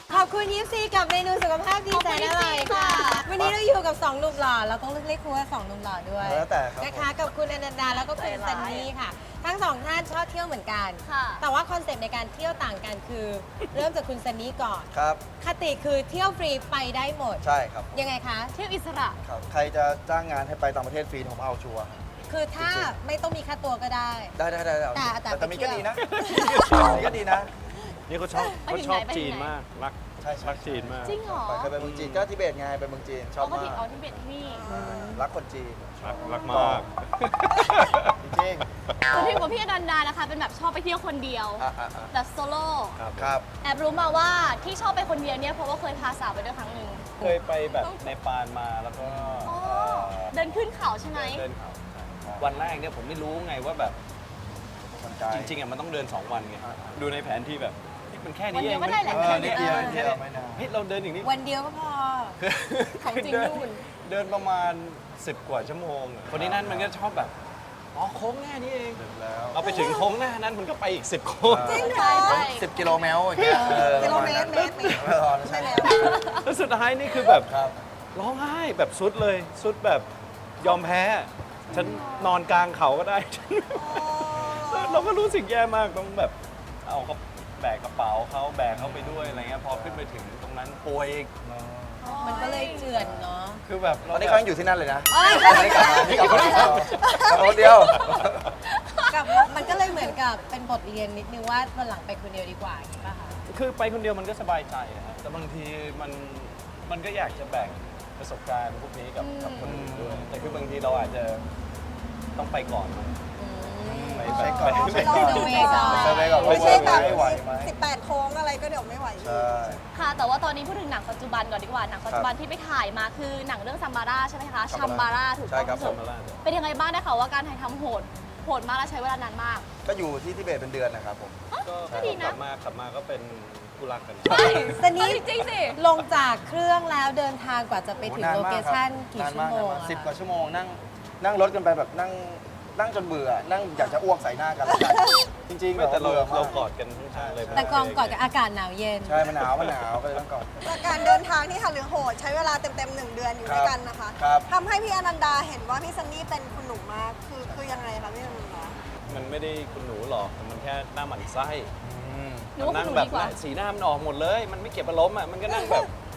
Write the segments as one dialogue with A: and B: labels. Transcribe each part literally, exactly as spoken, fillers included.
A: ขอบคุณยิปซีกับเมนูสุขภาพดีแสนอร่อยค่ะ วันนี้เราอยู่กับสองหนุ่มหล่อเราต้องเรียกคุณว่าสองหนุ่มหล่อด้วย
B: แล้วแต่ครับ
A: นะคะกับคุณอนันดาแล้วก็คุณซันนี่ค่ะ ทั้งสองท่านชอบเที่ยวเหมือนกัน แต่ว่าคอนเซ็ปต์ในการเที่ยวต่างกันคือ เริ่มจากคุณซันนี่ก่อน
B: ครับ
A: คติคือเที่ยวฟรีไปได้หมด
B: ใช่ครับ
A: ยังไงคะ
C: เที่ยวอิสระ
B: ครับใครจะจ้างงานให้ไปต่างประเทศฟรีผมเอาชัวร์
A: คือถ้า
B: จริง
A: ไม่ต้องมีค่าตัวก็ได้
B: ได้ได้ได้
A: แต่แต่
B: แต่
A: ไป
B: มี
A: เที่
B: ก็
A: ยว
B: ดีนะมีก็ดีนะ
D: นี่เขาชอบ
C: ไป
D: เขา
C: ถึง
D: ชอบ
C: ไหนไปถึง
D: จีน
C: ไหน
D: มาก รัก
B: ใช่ใช่
D: รักจีนมาก
C: จริงเหรอ
B: ไปเคยไปเมืองจีนก็ทิเบตไงไปเมืองจีนชอบ
C: เอาก็
B: มา
C: ที่
B: ก
C: เอาที่เบ็ดที่นี่
B: รักคนจีน
D: รักรักมาก
B: จริง
C: คุณพี่กับพี่อนันดานะคะ เป็นแบบชอบไปเที่ยวคนเดียว
B: อ่ะอ่ะอ่ะ
C: แบบโซโล่
D: ครับ
B: ครับ
C: แอบรู้มาว่าที่ชอบไปคนเดียวเนี่ยเพราะว่าเคยพาสาวไปด้วยครั้งหนึ่ง
D: เคยไปแบบในปานมาแล้วก็
C: อ๋อ
D: เอ่อ
C: เดินขึ้นเขาใช่ไหม
D: เดินเขาวันแรกเนี่ยผมไม่รู้ไงว่าแบบ
B: คนใจ
D: จริงๆอ่ะมันต้องเดิน สอง วันไง
B: อ่า
D: ดูในแผนที่แบบนี่มันแค่
C: วัน
D: นี้
C: เดี
D: เอย ง
C: วก็ได้แหละ
B: เออ
C: แค่
B: นิ
C: นี้
B: ดเดียว
C: เออ
B: นิดเดียวไม่นาน
D: เฮ้ยเราเดินอย่างนี้
A: วันเดียวก็พอ
D: คือ
C: ของจริง
D: เดิน
C: นู่น
D: เดินประมาณสิบกว่าชั่วโมงอะคนนี้นั่นมันก็ชอบแบบอ๋อโค้งแน่นี้เอง
B: แล้ว
D: เอาไปถึงโค้งหน้านั้นมันก็ไปอีกสิบโค้ง
A: จริงเหร
C: ใช่
A: อ
C: ใช่
B: สิบกิโลเมตรอย่างเงี้ยออ
A: กิโลเมตรเมตรเมตร
B: เออใช่
A: ใช่
B: แล้
A: แล้ว ว
D: แล้วสุดท้ายนี่คือแบบ
B: ครับ
D: ร้องไห้แบบสุดเลยสุดแบบยอมแพ้ ฉันนอนกลางเขาก็ได้ เราก็รู้สึกแย่มากต้องแบบเอาเขาแบกกระเป๋าเขาแบกเขาไปด้วยอะไรเงี้ยพอขึ้นไปถึงตรงนั้นป่วยอีก
A: มันก็เลยเจือนเนาะ
D: คือแบบ
B: ตอนนี้เขายังอยู่ที่นั่นเลยนะ
A: เอ้ย
B: ไม่ได้กลับมาที่กลับคนเดียวกลับคนเดียว
A: กับมันก็เลยเหมือนกับเป็นบทเรียนนิดนึงว่าวันหลังไปคนเดียวดีกว่าอย่างนี้ป่ะคะ
D: คือไปคนเดียวมันก็สบายใจนะฮะแต่บางทีมันมันก็อยากจะแบ่งประสบการณ์พวกนี้กับกับคนอื่นด้วยแต่คือบางทีเราอาจจะต้องไปก่อน ไป
B: ใช้ก่อน
D: ไป
B: ใช้ก่อน
A: เซอร์เวย์ก่อน
B: เซอร์เวย์ก่อน
E: ไม่ใช่แบบ
B: ไม่ไหวไหม
E: สิบแปดโค้งอะไรก็เดี๋ยวไม่ไหว
B: ใช่
C: ค่ะ แต่ว่าตอนนี้พูดถึงหนังปัจจุบันก่อนดีกว่า หนังปัจจุบันที่ไปถ่ายมาคือหนังเรื่องซัมบาร่าใช่ไหมคะชัมบาร่าถูก
B: ใช่
C: ต้อง
B: ครับ
C: ที่สุด
D: ผม
C: เป็นยังไงบ้างได้ข่าวว่าการถ่ายทำโหด โหดมากและใช้เวลานานมาก
B: ก็อยู่ที่ทิเบตเป็นเดือนนะครับผม
D: ก็
C: ก็ดีนะ
D: กลับมากลับมาก็เป็นคู่รักกัน
C: ใช่
A: แต่นี่
C: จริงๆสิ
A: ลงจากเครื่องแล้วเดินทางกว่าจะไปถึง
B: นาน
A: โล
B: มาก
A: เค
B: ครับ
A: ชั่นกี่
B: นาน
A: ชั่ว
B: มาก
A: โมง
B: นานมาก
A: อะ
B: สิบกว่าชั่วโมงนั่งนั่งรถกันไปแบบนั่งนั่งจนเบื่อ นั่งอยากจะอ้วกใส่หน้ากันแล้วกันจริงๆ
D: ไม่แต่เรา
B: บื่ม
D: เรากอดกันทั้งชาติเลย
A: แต่กองก่อนกับอากาศหนาวเย็น
B: ใช่มันหนาวมันหนาวก็เลยต้องกอด
E: แต่การเดินทางที่หันหรือโหดใช้เวลาเต็มๆหนึ่งเดือนอยู่ด้วยกันนะคะ
B: ครับ
E: ทำให้พี่อนันดาเห็นว่าพี่ซันนี่เป็นคุณหนุ่มมาก คือคือยังไงคะพี่อนันดา
D: มันไม่ได้คุณหนูหรอกแต่มันแค่หน้าหมันไส้
B: อืม
C: หนูว่า
D: นั่
C: คุณหนู
D: แบบ
C: ดีกว่า
D: สีหน้ามันออกหมดเลย มันไม่เก็บอารมณ์อ่ะมันก็นั่งแบบ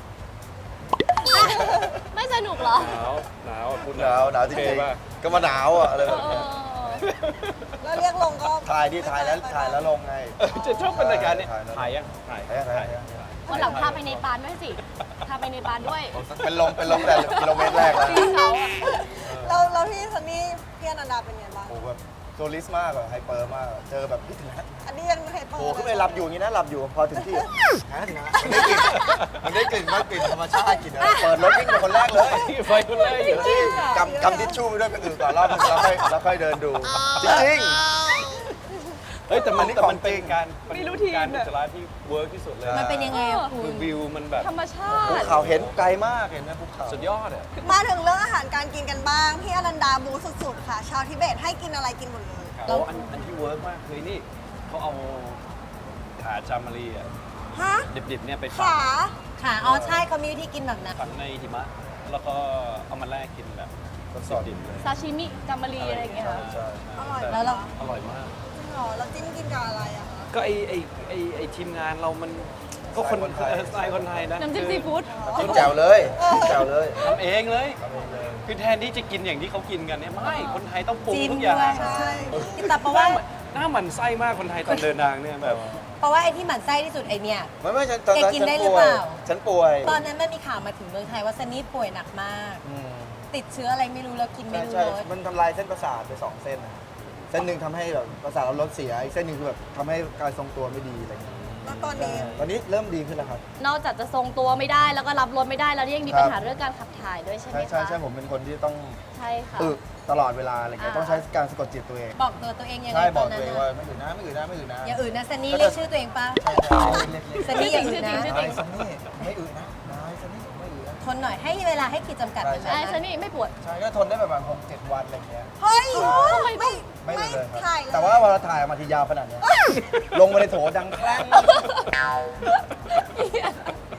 C: ไม่สนุกเหรอ
D: หนาวหนาวอ่ะคุณ
B: หนาวหนาวจ
D: โอเค
B: ริง
D: ป่ะ
B: ๆก็มาหนาวอ่ะอะไร
C: เอ
B: แบบ
C: อ
B: นี้
E: แล้วเรียกลงก็
B: ถ่ายดิถ่ายแล้วถ่ายแล้วลงไง
D: เออจะชอบบรรยากาศนี้
B: ถ่ายแล้ว
D: ถ่ายยังถ่าย
B: ถ่ายยังถ่ายยัง
C: วันหลังพาไปในปานด้วยสิ พาไปในปานด้วย
B: เป็นลมเป็นลมแต่กิโลเมตรแรกแล้ว
C: ปีนเขาอะ
E: แล้วแล้วพี่ซันนี่พี่อนันดาเป็นไงบ้าง
B: โอ้โหแบบโซลิสมากอะไฮเปอร์มากอะเจอแบบพี่ถึงนะ
E: อันนี้ยังไม่เคยเปิด
B: โอ้ขึ้นไปหลับอยู่อย่างนี้นะหลับอยู่พอถึงที่หาถึงนะมันได้กลิ่นมันได้กลิ่นว่ากลิ่นธรรมชาติกลิ่นอะไรเปิดรถวิ่งเป็นคนแรกเลย
D: ไฟคนแรกอยู่
B: จริงกำกำทิชชู่ไปด้วยไปอื่นก่อนรอบนึงแล้วค่อยแล้วค่อยเดินดู จริง
D: เฮ้ยแต่มัน
B: อันนี้
D: แต่มัน
B: ของจริ
D: เป็น
B: ง
D: การ
C: มีรูทีน
D: การ
C: อะ
D: อุจจาระที่เวิร์กที่สุดเลย
A: มันเป็นยังไงอะคุ
D: คือ
A: ณ
D: วิวมันแบบ
C: ธรรมชา
B: ๆภู
C: ติ
B: เขาเห็นไกลมากเห็นไหมภูเขา
D: สุดยอดอ่ะ
E: มาถึงเรื่องอาหารการกินกันบ้าง พี่อนันดาบูสุดๆค่ะ ชาวทิเบตให้กินอะไรกินหมดเลย
D: โอ้อันอันที่เวิร์กมากคือนี่เขาเอาขาจามารีอ่ะ
E: ฮะ
D: ดิบๆเนี่ยไป
E: ขา
A: ค่ะ อ๋อใช่เขามีวิธีกินแบบนั้น
D: ฝังในหิมะ แล้วก็เอามาแลกกินแบบ
B: สดๆ
D: ดิบๆเลย
C: ซาชิมิกัมมารีอะไรอย่างเงี้ยค่ะ
B: ใช่
E: อร่อย
A: แล้วเรา
D: อร่อยมาก
E: จริงเหรอแล้วจิ้มกินกับอะไรอะคะ
D: ก็ไอไอไอไอทีมงานเรามันก็คนเออสไตล์คนไทยนะ
C: น้ำจิ้มซีฟู้ด
B: จิ้มแจ่วเลยแจ่วเลย
D: ทำเองเลย คือแทนที่จะกินอย่างที่เขากินกันเนี่ยไม่คนไทยต้องปรุง
A: จิ้ม
D: ทุกอ
A: ด้
D: ย่าง
A: วย
E: ใช่
A: แต่เพราะว่า
D: หน้าหมันไส้มากคนไทยตอนเดินทางเนี่ยแบบ
A: เพราะว่าไอ้ที่หมั่นไส้ที่สุดไอเนี่ย
B: ไม่ไม่ฉันตอนนั้น
A: แกกิน
B: ฉัน
A: ได้หรือ
B: ป่ว
A: เป
B: ย
A: ล่า
B: ฉันป่วย
A: ตอนนั้นมันมีข่าวมาถึงเมืองไทยว่าซันนี่ป่วยหนักมาก
B: อืม
A: ติดเชื้ออะไรไม่รู้แล้วกินไม่
B: ใช่
A: รู้
B: ใช่
A: รส
B: มันทำลายเส้นประสาทไปสองเส้นนะเส้นหนึ่งทำให้แบบประสาทเราลดเสียอีกเส้นหนึ่งคือแบบทำให้การทรงตัวไม่ดีอะไรอย่างเงี้ย
E: แล้วตอนนี้
B: ตอนนี้เริ่มดีขึ้นแล้วครับ
C: นอกจากจะทรงตัวไม่ได้แล้วก็รับรสไม่ได้แล้วยังมี
B: ครับ
C: ปัญหาเรื่องการขับถ่ายด้วยใช่ไหม
B: ใช่
C: คะ
B: ใช่ใช่ผมเป็นคนที่ต้อง
C: ใช่ค่ะ
B: อึตลอดเวลาอะไรเงี้ย
C: อ่า
B: ต้องใช้การสะกดจิตตัวเอง
A: บอกตัวตัวเองยังไง
B: ใช่บ
A: ต
B: อ
A: อก นนั้
B: ตั
A: น
B: วเอง
A: อะ
B: ว่าไม่อื่นนะไม่อื่นนะไม่อื่นนะ
A: อย่าอื่นนะซันนี่เรียกชื่อตัวเองป่ะ
B: ใช่ใช่เรียกเรียก
A: ซันนี่อย่าอื่นนะ
C: ชื่อจริง
B: นายซันนี่ไม่อื่นนะนายซันนี่ไม่อื่นนะ
A: ทนหน่อยให้เวลาให้ขีดจำกัดมัน
B: ใช่
C: ไอ้
A: นะ
C: ฉันนี่ไม่ปวด
B: ใช่ก็ทนได้ประมาณหกเจ็ดวันอะไรเงี้ย
E: เฮ้ย
C: ทำไม
E: ไม่
B: ไม่
E: ไม่
B: เลยครับ
E: ถ่ายเลย
B: แต่ว่าเวลาถ่ายออกมาทียาวขนาดเนี้ยลงมาในโถดังแคร่ง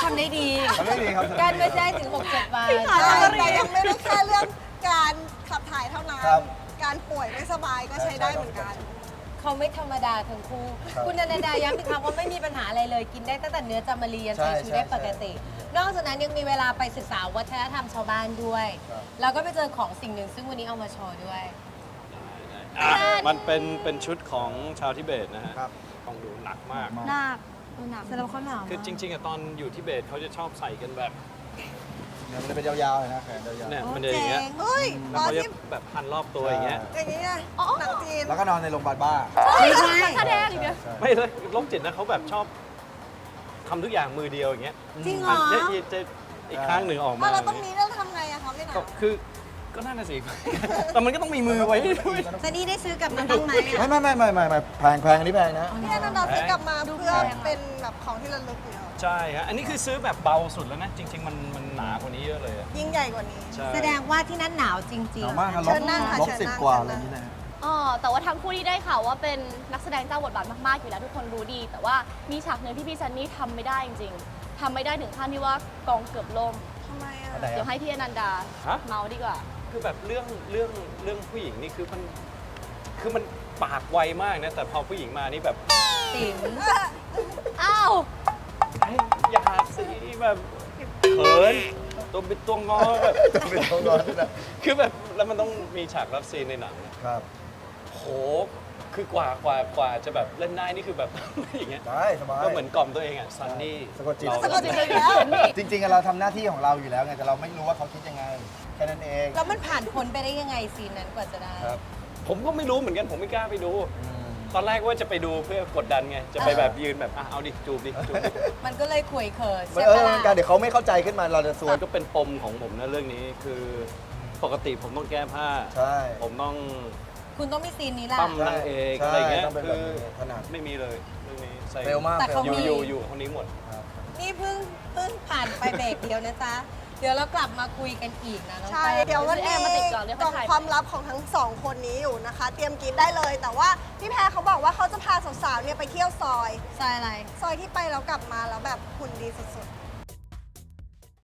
A: ทำได้ดี
B: ทำได้ดีครับ
A: การไม่ได้ถึงหกเจ็ดวัน
C: พี่ขา
E: ใช่แต่ยังไม่ได้แค่เรื่องการขับถ่ายเท่านั้น
B: ครับ
E: การป่วยไม่สบายก็ใช้ได้เหมือนกัน
A: เขาไม่ธรรมดาทั้งคู่
B: ครับ
A: คุณอนันดาย้ำอีกครั้งว่าไม่มีปัญหาอะไรเลย กินได้ตั้งแต่เนื้อจามารียัน
B: ใช่
A: ใช้ชีวิตได้
B: ใช่
A: ปกติ นอกจากนั้นยังมีเวลาไปศึกษาวัฒนธรรมชาวบ้านด้วย
B: ครับ
A: แล้วก็ไปเจอของสิ่งหนึ่งซึ่งวันนี้เอามาโชว์ด้วย
D: อ่ะมันเป็นเป็นชุดของชาวทิเบตนะฮะ
B: ครับ
D: ต้องดูหนักมาก
C: หนักหนัก
A: แสดงว่าเขาหนาว
D: คือจริงๆอะตอนอยู่ทิเบตเขาจะชอบใส่กันแบบ
B: เนี่ยมันจะเป็นยาวๆเลยนะแขนยาว
D: เนี่ย
E: โอ้
D: มันจะอย่างเงี้ย
E: เจ๋งเฮ้ย
D: แล้ว
E: ตอน
D: เขาจะ
E: ที่
D: แบบพันรอบตัวอย่างเงี้ย
E: อย่างนี้ไงหนังจีน
B: ๆแล้วก็นอนในโรงพยาบาลบ้า
A: ไม่ใช่
C: แสดงอีกเดียว
B: ใช่
D: ไม่เลยโรคจิตนะเขาแบบชอบทำทุกอย่างมือเดียวอย่างเงี้ย
A: จริงเหรอ
D: เนี่ยจะอีกข้างหนึ่งออก
E: มา
D: มา
E: เราตรงนี้เราทำไงอะคะพี่หนา
D: ก็คือก็นั่นน่ะสิ แต่มันก็ต้องมีมือไว้ด้วย
A: ซันนี่ได้ซื้อกลับมาบ้างไหม
B: ไม่
A: อะ
B: ไม่ไม่ไม่ไม่ไม่แพงแพงอันนี้แพงนะ
E: พี่อนันดาซื้อกลับมาเพื่อเป็นแบบของที่ระลึกอยู่แล้ว
D: ใช่ฮะอันนี้คือซื้อแบบเบาสุดแล้วนะ จริง ๆ มันมันหนากว่านี้เยอะเลยอะ
E: ยิ่งใหญ่กว่านี้
D: ใช่
A: แสดงว่าที่นั่นหนาวจริง
B: หนาว
A: ๆ
B: มากครับล
E: เชิ
B: บ
E: ญนั่งค่ะ
B: ลบ
E: เชิญ
B: สิบ
E: นั่ง
B: กว่า
E: เชิ
B: อะไร
E: ญ
B: อ
E: นั่ง
B: ย่างนี้นะ
C: อ๋อแต่ว่าทั้งคู่ที่ได้ข่าวว่าเป็นนักแสดงเจ้าบทบาทมากๆอยู่แล้วทุกคนรู้ดี แต่ว่ามีฉากหนึ่งที่พี่ซันนี่ทำไม่ได้จริงๆทำไม่ได้ถึงขั้นที่ว่ากองเกือบล่ม
E: ทำไมอะ
B: อันไหน
C: เดี๋ยวให้พี่อนันดา
D: ฮะ
C: เมาดีกว่า
D: คือแบบเรื่องเรื่องเรื่องผู้หญิงนี่คือมันคือมันปากไวมากนะ แต่พอผู้หญิงมานี่แบบ
A: ติ๋ม
C: อ้าว
D: เฮ้ยอย่าสิแบบเขินตัวเป็นตัวงอแบบ
B: เป็นตัวร้อนด้วยนะ
D: คือแบบแล้วมันต้องมีฉากรับซีนในหนังอะ
B: ครับ
D: โห คือกว่ากว่ากว่าจะแบบเล่นได้นี่คือแบบ อย่างเงี้ย
B: ได้สบาย
D: ก็เหมือนกล่อมตัวเองอ่ะซันนี่
B: สะกดจิต
D: เรา
E: สะกดจิตเลยแล้ว
B: จริงๆอะเราทำหน้าที่ของเราอยู่แล้วไงแต่เราไม่รู้ว่าเขาคิดยังไงแค่นั้นเอง
A: แล้วมันผ่านพ้นไปได้ยังไงซีนนั้นกว่าจะได้
B: ครับ
D: ผมก็ไม่รู้เหมือนกันผมไม่กล้าไปดู
B: อืม
D: ตอนแรกว่าจะไปดูเพื่อกดดันไง จะไปแบบยืนแบบอ่ะเอาดิจูบดิจูบดิ
A: มันก็เลยข่วยเขิน
B: มัน
A: ใช่
B: เอ
A: ปะ
B: อ
A: ล่ะ
B: การเดี๋ยวเขาไม่เข้าใจขึ้นมาเราจะซวย
D: มันก็เป็นปมของผมนะเรื่องนี้คือปกติผมต้องแก้ผ้า
B: ใช่
D: ผมต้อง
A: คุณต้องมีซีนนี้แหละ
D: ปั้มนางเอก
B: ใช่
D: อะไรเงี้ย
B: ต้องเป็น
D: คื
B: แบบ
D: อ
B: นี้ถนัด
D: ไม่มีเลยเรื่องนี้ใส่
B: เร็วมาก
A: แต่เขา
B: ร็
D: อยู่
B: มก
D: อยู่อยู่คนนี้หมด
B: ครับ
A: นี่เพิ่งเพิ่งผ่านไปเบรกเดียวนะจ๊ะ เดี๋ยวเรากลับมาคุยกันอีกนะน้อง
E: ใช่
A: แป้ง
E: เดี๋ยววันนี้
C: แอร์มาติดก่อนเดี๋ยว
E: กล่
C: ค่
E: อ
C: อง ยถ่าย
E: ความลับของทั้งสองคนนี้อยู่นะคะ เตรียมกินได้เลย แต่ว่าพี่แพรเขาบอกว่าเขาจะพาสาวๆเนี่ยไปเที่ยวซอย
A: ใช่อะไร
E: ซอยที่ไปแล้วกลับมาแล้วแบบหุ่นดีสุด